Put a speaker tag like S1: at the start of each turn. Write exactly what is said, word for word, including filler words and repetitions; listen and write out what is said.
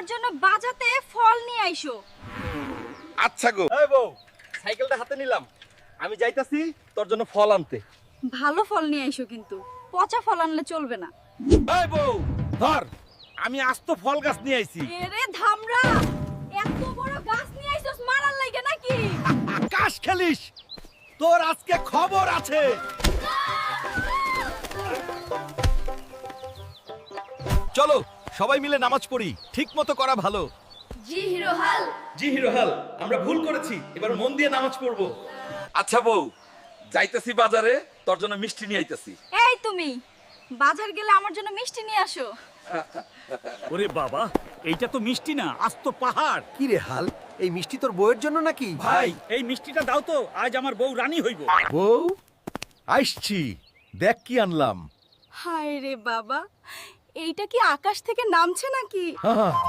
S1: আমার জন্য বাজাতে ফল নিয়ে আইসো।
S2: আচ্ছা গো।
S3: এই বউ, সাইকেলটা হাতে নিলাম, আমি যাইতাছি তোর জন্য ফল আনতে।
S1: ভালো ফল নিয়ে আইসো, কিন্তু পচা ফল আনলে চলবে না।
S2: এই বউ ধর, আমি আস্ত ফল গাছ নিয়ে আইছি।
S1: এরে ধামরা, এত বড় গাছ নিয়ে আইছস মারার লাগে নাকি?
S2: আকাশ খেলিস, তোর আজকে খবর আছে। চলো সবাই মিলে নামাজ পড়ি, ঠিক মতো করা ভালো।
S1: জি হিরো হাল।
S2: জি হিরো হাল, আমরা ভুল করেছি, এবার মন দিয়ে নামাজ পড়বো। আচ্ছা বউ, যাইতেছি বাজারে, তোর জন্য মিষ্টি নিয়ে আইতেছি।
S1: এই তুমি বাজার গেলে আমার জন্য মিষ্টি নিয়ে আসো।
S4: ওরে বাবা, এইটা তো মিষ্টি না, আস্ত পাহাড়।
S5: কি রে হাল, এই মিষ্টি তোর বউয়ের জন্য নাকি?
S2: ভাই
S4: এই মিষ্টিটা দাও তো, আজ আমার বউ রানী হইব।
S2: বউ আইসছি, দেখ কি আনলাম।
S1: হায় রে বাবা, এইটা কি আকাশ থেকে নামছে নাকি?
S2: হ্যাঁ